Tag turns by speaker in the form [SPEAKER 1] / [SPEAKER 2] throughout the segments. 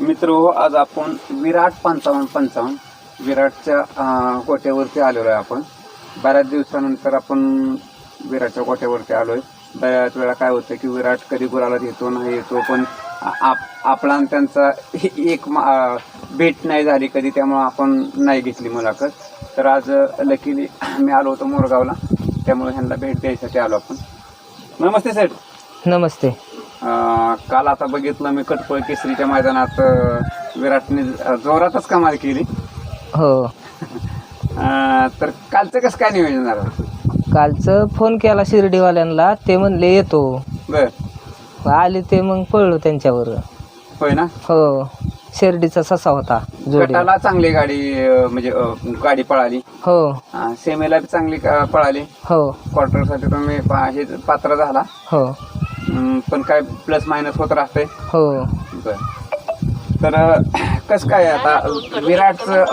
[SPEAKER 1] मित्र आज आपण विराट 55-55 विराटच्या गोट्यावरती आलेलो आहे. आपण बऱ्याच दिवसानंतर आपण विराटच्या गोट्यावरती आलोय. बऱ्याच वेळा काय होतं की विराट कधी गुलाला येतो नाही येतो, पण आपला आणि त्यांचा एक भेट नाही झाली कधी, त्यामुळे आपण नाही घेतली मुलाखत. तर आज लकीली मी आलो होतो मोरगावला, त्यामुळे ह्यांना भेट द्यायसाठी आलो आपण. नमस्ते सर.
[SPEAKER 2] नमस्ते.
[SPEAKER 1] काल आता बघितलं मी कटपळ केसरीच्या मैदानात विराटने जोरातच कमाल केली.
[SPEAKER 2] हो.
[SPEAKER 1] तर कालचं कसं काय नियोजन झालं?
[SPEAKER 2] कालचं फोन केला शिर्डीवाल्यांना, ते म्हणले येतो.
[SPEAKER 1] बर.
[SPEAKER 2] आले ते मग पळलो त्यांच्यावर.
[SPEAKER 1] होय ना.
[SPEAKER 2] हो. शिर्डीचा ससा होता जोडी.
[SPEAKER 1] गटाला चांगली गाडी म्हणजे गाडी पळाली.
[SPEAKER 2] हो.
[SPEAKER 1] सेमीला बी चांगली पळाली.
[SPEAKER 2] हो.
[SPEAKER 1] क्वार्टरसाठी तुम्ही हे पात्र झाला.
[SPEAKER 2] हो.
[SPEAKER 1] पण काय प्लस मायनस होत राहते.
[SPEAKER 2] हो.
[SPEAKER 1] बर. तर कसं काय आता विराटचं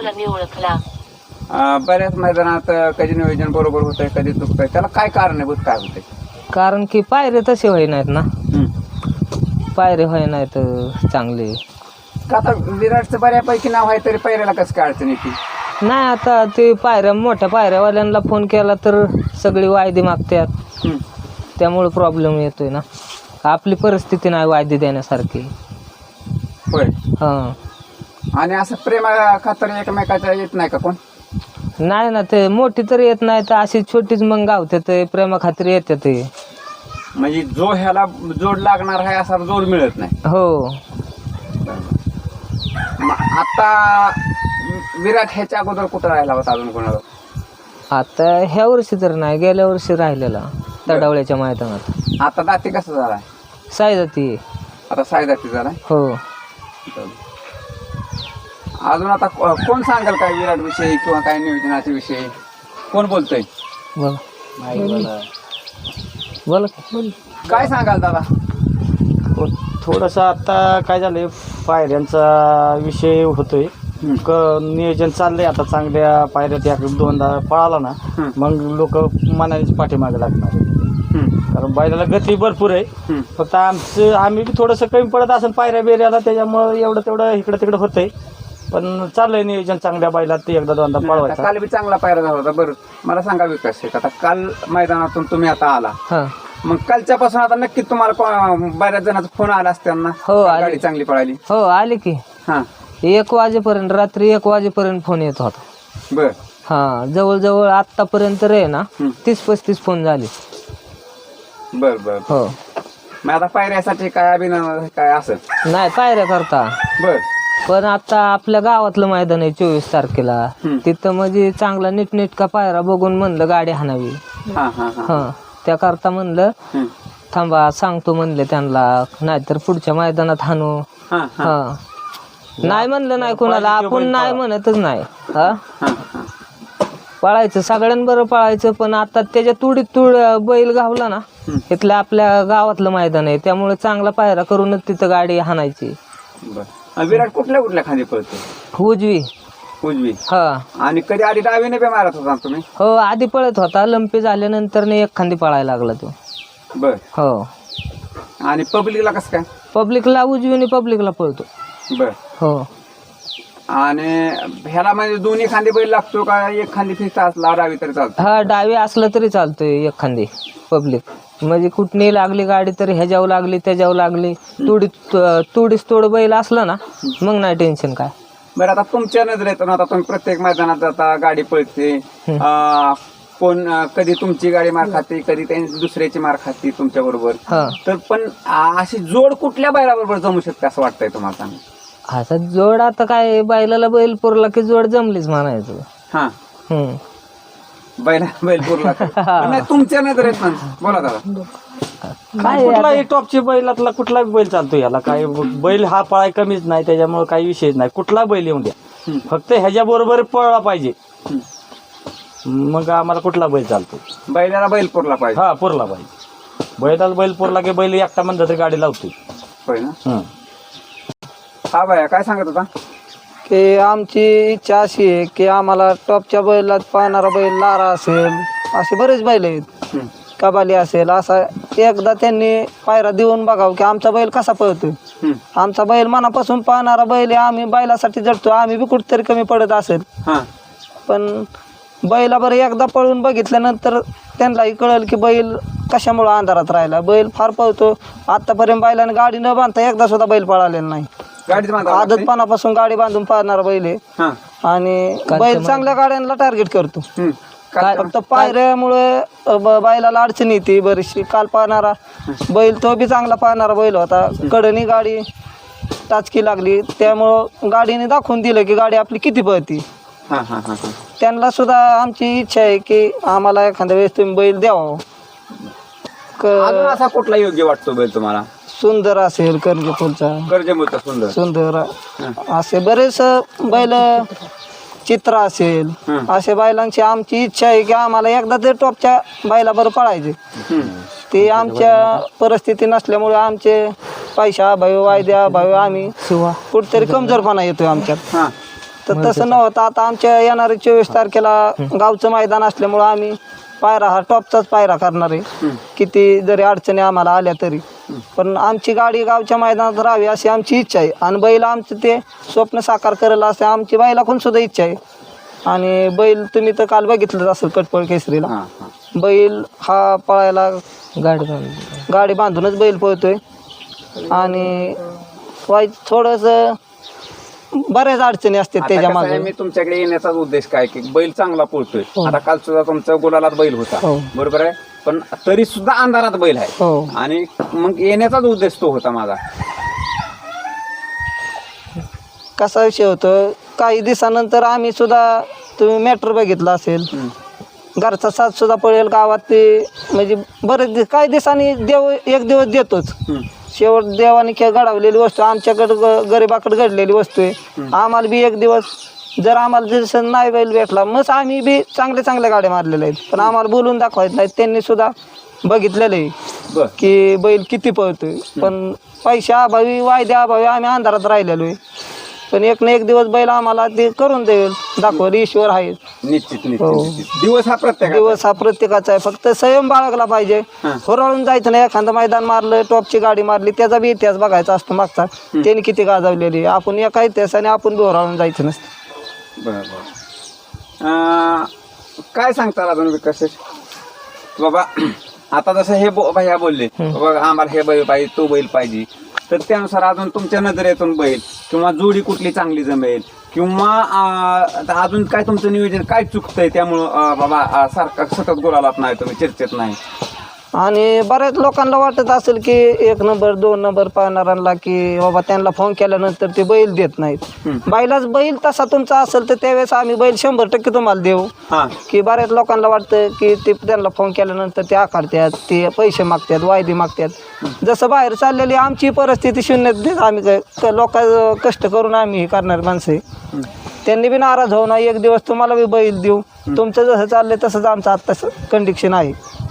[SPEAKER 1] बऱ्याच मैदानात कधी नियोजन बरोबर होतंय, कधी चुकतंय, त्याला काय कारणीभूत काय होते?
[SPEAKER 2] कारण की पायरे तसे होई नाहीत ना. पायरे होई नाहीत चांगले.
[SPEAKER 1] का आता विराटचं बऱ्यापैकी नाव आहे तरी पायऱ्याला कसं काय अडचण येते?
[SPEAKER 2] नाही, आता ते पायऱ्या मोठ्या पायऱ्यावाल्यांना फोन केला तर सगळी वायदी मागतात, त्यामुळे प्रॉब्लेम येतोय ना. आपली परिस्थिती नाही वायदी देण्यासारखी.
[SPEAKER 1] होय.
[SPEAKER 2] हां.
[SPEAKER 1] आणि असं प्रेमा खातर एकमेकाच्या येत नाही का कोण?
[SPEAKER 2] नाही ना, ते मोठी तर येत नाही, तर अशी छोटीच मग गावते ते प्रेमा खातिर येते ते.
[SPEAKER 1] म्हणजे जो ह्याला जोड लागणार आहे असा जोड मिळत नाही.
[SPEAKER 2] हो.
[SPEAKER 1] आता विराट ह्याच्या अगोदर कुठं राहिला होता अजून कोणाला?
[SPEAKER 2] आता ह्या वर्षी तर नाही, गेल्या वर्षी राहिलेला तडावळ्याच्या मैदानात.
[SPEAKER 1] आता दाती कसं झालाय?
[SPEAKER 2] सायदाती.
[SPEAKER 1] आता सायदाती झालाय.
[SPEAKER 2] हो.
[SPEAKER 1] अजून आता कोण सांगाल काय विराट विषयी किंवा काय नियोजनाच्या विषयी? कोण बोलतोय?
[SPEAKER 2] बोला बोला.
[SPEAKER 1] काय सांगाल दादा?
[SPEAKER 3] थोडंसं आता काय झालंय, पायऱ्यांचा विषय होतोय. नियोजन चाललंय आता, चांगल्या पायऱ्या दोनदा पळाला ना मग लोक मनानेच पाठीमागे लागणार. कारण बैलाला गती भरपूर आहे, फक्त आम्ही बी थोडंसं कमी पडत असेल पायऱ्या बेऱ्याला, त्याच्यामुळं एवढं तेवढं इकडं तिकडं होतंय. पण चाललंय नियोजन चांगल्या बैलात, ते एकदा दोनदा पळवायचं.
[SPEAKER 1] काल बी चांगला पायरा झाला होता. बरं मला सांगा विकास, आता काल मैदानातून तुम्ही आता आला, मग कालच्यापासून आता नक्की तुम्हाला बऱ्याच जणांचा फोन आला असताना?
[SPEAKER 2] हो,
[SPEAKER 1] गाडी चांगली पळाली.
[SPEAKER 2] हो, आले की.
[SPEAKER 1] हा.
[SPEAKER 2] 1 वाजेपर्यंत, रात्री 1 वाजेपर्यंत फोन येत होता.
[SPEAKER 1] बर.
[SPEAKER 2] हा, जवळजवळ आतापर्यंत रे ना 30-35 फोन झाले.
[SPEAKER 1] बर बर.
[SPEAKER 2] हो.
[SPEAKER 1] मग आता पायऱ्यासाठी काय अभिनंदन काय असं?
[SPEAKER 2] नाही, पायऱ्या करता.
[SPEAKER 1] बर.
[SPEAKER 2] पण आता आपल्या गावातलं मैदान आहे 24 तारखेला, तिथं म्हणजे चांगला नीटनेटका पायरा बघून म्हणलं गाडी हाणावी. हा, त्याकरता म्हणलं थांबा सांगतो म्हणले त्यांना, नाहीतर पुढच्या मैदानात हाणू. हा. नाही म्हणलं नाही कोणाला, आपण नाही म्हणतच नाही. हा, पळायचं सगळ्यांबरोबर पळायचं, पण आता त्याच्या तुडीत बैल गावला ना, इथलं आपल्या गावातलं मैदान आहे, त्यामुळे चांगला पायरा करूनच तिथं गाडी हाणायची.
[SPEAKER 1] विराट कुठल्या खांदी पळतो?
[SPEAKER 2] उजवी.
[SPEAKER 1] उजवी.
[SPEAKER 2] हा.
[SPEAKER 1] आणि कधी आधी डावीने बी मारत होता तुम्ही?
[SPEAKER 2] हो, आधी पळत होता, लंपी झाल्यानंतर एक खांदी पळायला लागला तो.
[SPEAKER 1] बर.
[SPEAKER 2] हो.
[SPEAKER 1] आणि पब्लिकला कसं काय?
[SPEAKER 2] पब्लिकला उजवीने पब्लिकला पळतो.
[SPEAKER 1] बर.
[SPEAKER 2] हो.
[SPEAKER 1] आणि ह्याला म्हणजे दोन्ही खांदी बैल लागतो का एक खांदी फिक्स असला डावी तरी चालतो?
[SPEAKER 2] हा, डावी असलं तरी चालतोय एक खांदी पब्लिक. म्हणजे कुठली लागली गाडी तर ह्याच्यावर लागली त्याच्यावर लागली, तुडीस तोड बैल असला ना मग नाही टेन्शन काय.
[SPEAKER 1] बरं, आता तुमच्या नजरेतून आता तुम्ही प्रत्येक मैदानात जाता, गाडी पळते, कोण कधी तुमची गाडी मार खाते, कधी त्यांची दुसऱ्याची मार खाते तुमच्या बरोबर, तर पण अशी जोड कुठल्या बैलाबरोबर जमू शकते असं वाटतंय तुम्हाला?
[SPEAKER 2] आता जोड आता काय, बैलाला बैल पुरला की जोड जमलीच म्हणायचं.
[SPEAKER 1] हा. बैल पुरला नाही तुमच्या नजरेत ना? बोला दादा.
[SPEAKER 3] काय कुठलाही टॉपची बैलातला कुठला बैल चालतो, याला काय बैल हा पळाय कमीच नाही, त्याच्यामुळे काही विषयच नाही. कुठला बैल येऊन द्या, फक्त ह्याच्या बरोबर पळला पाहिजे, मग आम्हाला कुठला बैल चालतो.
[SPEAKER 1] बैलाला बैल पुरला पाहिजे.
[SPEAKER 3] हा, पुरला पाहिजे. बैलाला बैल पुरला की बैल एकटा म्हणलं तरी गाडी लावतो.
[SPEAKER 1] होय ना. हा बाया, काय सांगत होता?
[SPEAKER 4] की आमची इच्छा अशी आहे की आम्हाला टॉपच्या बैलात पाहणारा बैल लारा असेल, असे बरेच बैल आहेत, कबाली असेल, असा एकदा त्यांनी पायरा देऊन बघावं की आमचा बैल कसा पळतोय. आमचा बैल मनापासून पाहणारा बैल आहे, आम्ही बैलासाठी जडतो. आम्ही बी कुठेतरी कमी पडत असेल, पण बैला बरं एकदा पळून बघितल्यानंतर त्यांनाही कळेल की बैल कशामुळं अंधारात राहिला. बैल फार पळतो. आतापर्यंत बैलाने गाडी न बांधता एकदा सुद्धा बैल पळालेला नाही. आदतपणापासून गाडी बांधून पाहणारा बैल आहे आणि बैल चांगल्या गाड्यांना टार्गेट करतो. फक्त पायऱ्यामुळे बैलाला अडचण येते बरीचशी. काल पाहणारा बैल तो बी चांगला पाहणारा बैल होता. कडनी गाडी टाचकी लागली, त्यामुळं गाडीने दाखवून दिलं की गाडी आपली किती पळती. त्यांना सुद्धा आमची इच्छा आहे की आम्हाला एखाद्या वेळेस तुम्ही बैल द्यावा.
[SPEAKER 1] असा कुठला योग्य वाटतो बैल तुम्हाला?
[SPEAKER 4] सुंदर असेल,
[SPEAKER 1] कर्जमुळचा सुंदर
[SPEAKER 4] सुंदर असे बरेच बैल, चित्र असेल, असे बैलांची आमची इच्छा आहे की आम्हाला एकदा ते टॉपच्या बैलाबरोबर पळायचे. ते आमच्या परिस्थिती नसल्यामुळे आमचे पैशा अभावी, वायद्या अभावी आम्ही कुठतरी कमजोरपणा येतोय आमच्यात. तर तसं नव्हतं. आता आमच्या येणाऱ्या 24 तारखेला गावचं मैदान असल्यामुळं आम्ही पायरा हा टॉपचाच पायरा करणार आहे. किती जरी अडचणी आम्हाला आल्या तरी पण आमची गाडी गावच्या मैदानात राहावी अशी आमची इच्छा आहे. आणि बैल आमचं ते स्वप्न साकार करेल असे आमची बैलाकडून सुद्धा इच्छा आहे. आणि बैल तुम्ही तर काल बघितलंच असेल कटपळ केसरीला. बैल हा पळायला गाडी बांधूनच बैल पळतोय. आणि थोडंसं बऱ्याच अडचणी असतात त्याच्या मागे.
[SPEAKER 1] मी तुमच्याकडे येण्याचा उद्देश काय की बैल चांगला पळतोय. आता काल सुद्धा तुमचा गुलालात बैल होता, बरोबर आहे, पण तरी सुद्धा अंधारात बैल आहे. आणि मग येण्याचाच उद्देश तो होता माझा.
[SPEAKER 4] कसा विषय होतो, काही दिवसानंतर आम्ही सुद्धा, तुम्ही मॅटर बघितला असेल, घरचा साथ सुद्धा पळेल गावात. ते म्हणजे बरेच काही दिवसांनी देव एक दिवस देतोच. शेवट देवाने घडवलेली वस्तू आमच्याकडं गरिबाकडे घडलेली वस्तू आहे. आम्हाला बी एक दिवस जर आम्हाला जर नाही बैल भेटला मग आम्ही बी चांगल्या गाड्या मारलेल्या आहेत, पण आम्हाला बोलून दाखवायचं नाही. त्यांनी सुद्धा बघितलेलं आहे की बैल किती पळतोय, पण पैशा अभावी, वायद्या अभावी आम्ही अंधारात राहिलेलो आहे. पण एक ना एक दिवस बैल आम्हाला ते करून देईल, दाखवल. ईश्वर आहे.
[SPEAKER 1] निश्चित. दिवस
[SPEAKER 4] हा प्रत्येकाचा आहे. फक्त संयम बाळगला पाहिजे. होराळून जायचं नाही. एखादं मैदान मारलं, टॉपची गाडी मारली, त्याचा बी इतिहास बघायचा असतो मागचा. त्यांनी किती गाजवलेली. आपण एका इतिहासाने आपण बी होराळून जायचं नसतं.
[SPEAKER 1] बरोबर. काय सांगता अजून विकास बाबा? आता जसं हे भैया बोलले बाबा आम्हाला हे बैल पाहिजे, तो बैल पाहिजे, तर त्यानुसार अजून तुमच्या नजरेतून बैल किंवा जोडी कुठली चांगली जमेल किंवा अजून काय तुमचं नियोजन काय चुकतंय त्यामुळं बाबा सारखा सतत गोलालात नाही, तुम्ही चर्चेत नाही?
[SPEAKER 4] आणि बऱ्याच लोकांना वाटत असेल की 1 नंबर 2 नंबर पाहणाऱ्यांना की बाबा त्यांना फोन केल्यानंतर ते बैल देत नाहीत. बैल तसा तुमचा असेल तर त्यावेळेस आम्ही बैल 100% तुम्हाला देऊ. की बऱ्याच लोकांना वाटतं की ते त्यांना फोन केल्यानंतर ते आकारतात, ते पैसे मागतात, वायदे मागतात. जसं बाहेर चाललेली आमची परिस्थिती शून्य देत, आम्ही लोक कष्ट करून आम्ही हे करणारी माणसं आहे. त्यांनी बी नाराज होऊ नये. एक दिवस तुम्हाला बी बैल देऊ. तुमचं जसं चाललंय तसंच आमचं आता कंडिशन आहे.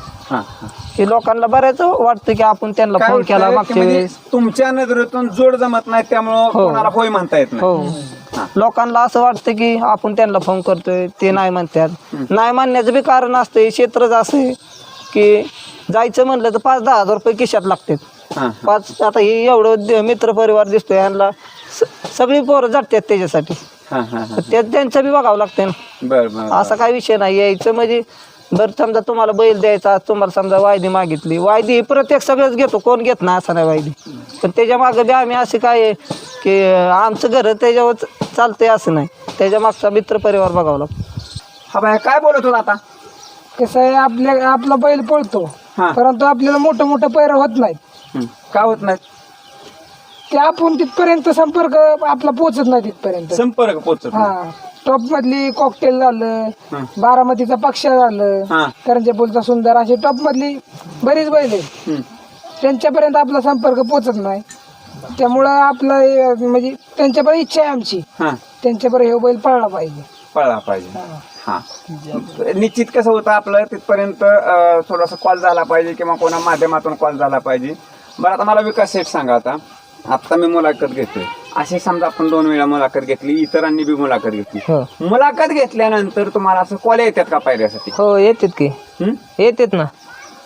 [SPEAKER 4] की लोकांना बऱ्याच वाटतं की आपण त्यांना फोन केला मागच्या वेळेस.
[SPEAKER 1] तुमच्या नजरेतून जोड जमत नाही त्यामुळं कोणाला होय म्हणता येत नाही.
[SPEAKER 4] लोकांना असं वाटतं की आपण त्यांना फोन करतोय, ते नाही म्हणतात. नाही म्हणण्याचं बी कारण असतं. क्षेत्रच असं आहे की जायचं म्हणलं तर 5-10 हजार रुपये खिशात लागतात. आता हे एवढं मित्र परिवार दिसतोय, यांना सगळी पोरं जातात त्याच्यासाठी. त्यांचं बी बघावं लागतं ना. असा काही विषय नाही. यायचं म्हणजे बरं समजा तुम्हाला बैल द्यायचा, तुम्हाला समजा वायदी मागितली, वायदी प्रत्येक सगळंच घेतो, कोण घेत नाही असं नाही वायदी. पण त्याच्या मागं बी आम्ही असे काय आहे की आमचं घर त्याच्यावर चालतंय असं नाही. त्याच्या मागचा मित्र परिवार बघावं लागतो.
[SPEAKER 1] हा बाय काय बोलत होता आता?
[SPEAKER 5] कसं आहे, आपला बैल पळतो परंतु आपल्याला मोठं पैर होत नाही.
[SPEAKER 1] का होत नाही?
[SPEAKER 5] ते आपण तिथपर्यंत संपर्क आपला पोहोचत नाही तिथपर्यंत.
[SPEAKER 1] संपर्क पोहोचत
[SPEAKER 5] टॉप मधली कॉकटेल झालं, बारामतीचा पक्ष झालं, करंजेपूलचा सुंदर, अशी टॉप मधली बरीच बैल आहे. त्यांच्यापर्यंत आपला संपर्क पोहोचत नाही. त्यामुळं आपलं म्हणजे त्यांच्यापर्यंत इच्छा आहे आमची, त्यांच्यापर्यंत हे बैल पळला पाहिजे.
[SPEAKER 1] हा निश्चित कसं होतं आपलं तिथपर्यंत थोडासा कॉल झाला पाहिजे किंवा कोणा माध्यमातून कॉल झाला पाहिजे. बरं आता मला विकास सेठ सांगा, आता मी मुलाखत घेतोय, अशी समजा आपण 2 वेळा मुलाखत घेतली, इतरांनी बी मुलाखत घेतली, मुलाखत घेतल्यानंतर तुम्हाला असं कॉल येतात का पायऱ्यासाठी?
[SPEAKER 2] हो येतात की, येतात ना.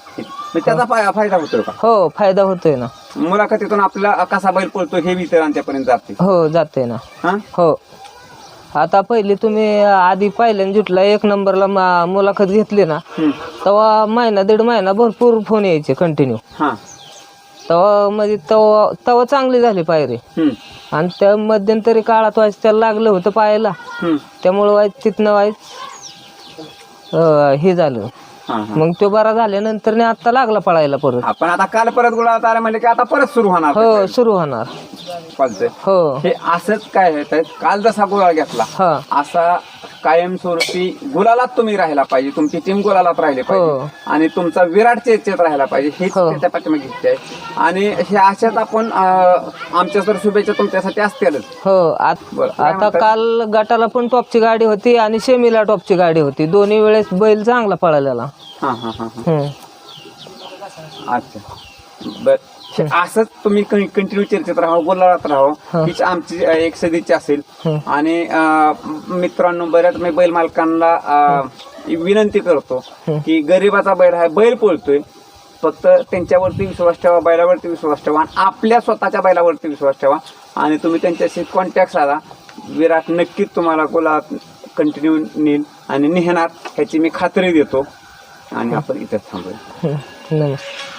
[SPEAKER 1] मग त्याचा फायदा होतोय का?
[SPEAKER 2] हो फायदा होतोय ना.
[SPEAKER 1] मुलाखतीतून आपला कसा बैल पळतो हे इतरांच्यापर्यंत जाते.
[SPEAKER 2] हो जाते ना.
[SPEAKER 1] हा
[SPEAKER 2] हो आता पहिली तुम्ही आधी पहिल्यांदा जुटला 1 नंबरला मुलाखत घेतली ना, तेव्हा महिना 1.5 महिना भरपूर फोन यायचे कंटिन्यू.
[SPEAKER 1] हा
[SPEAKER 2] तेव्हा म्हणजे तेव्हा चांगली झाली पायरी. आणि त्या मध्यंतरी काळात व्हायचं त्याला लागलं होतं पायाला, त्यामुळं व्हायचं तिथनं व्हायचं हे झालं. मग तो बरा झाल्यानंतर आता लागला पळायला परत.
[SPEAKER 1] आपण आता काल परत गुलाबात आला म्हणजे की आता परत सुरू होणार.
[SPEAKER 2] हो सुरू होणार.
[SPEAKER 1] चालतंय.
[SPEAKER 2] हो
[SPEAKER 1] हे असंच काय आहे, काल जसा गुलाल घेतला
[SPEAKER 2] हा
[SPEAKER 1] असा कायमस्वरूपी गुलालात तुम्ही राहायला पाहिजे, तुमची टीम गुलालात राहिली पाहिजे आणि तुमचा विराट चर्चेत राहायला पाहिजे, हेच त्याच्या पाठीमागे इच्छा आहे. आणि हे अशाच आपण आमच्या तर शुभेच्छा तुमच्यासाठी असतीलच.
[SPEAKER 2] हो आता काल गटाला पण टॉपची गाडी होती आणि सेमीला टॉपची गाडी होती, दोन्ही वेळेस बैल चांगला पळालेला.
[SPEAKER 1] हा हा हा अच्छा बर. असंच तुम्ही कंटिन्यू चर्चेत राहा, बोलत राहा, हीच आमची एक सदिच्छा असेल. आणि मित्रांनो, बऱ्याच मी बैल मालकांना विनंती करतो की गरीबाचा बैल हा बैल पळतोय, फक्त त्यांच्यावरती विश्वास ठेवा, बैलावरती विश्वास ठेवा, आपल्या स्वतःच्या बैलावरती विश्वास ठेवा आणि तुम्ही त्यांच्याशी कॉन्टॅक्ट साधा. विराट नक्कीच तुम्हाला गुलाबात कंटिन्यू नेईल आणि नेहणार ह्याची मी खात्री देतो. आणि आपण इथेच थांबूया.
[SPEAKER 2] नमस्कार.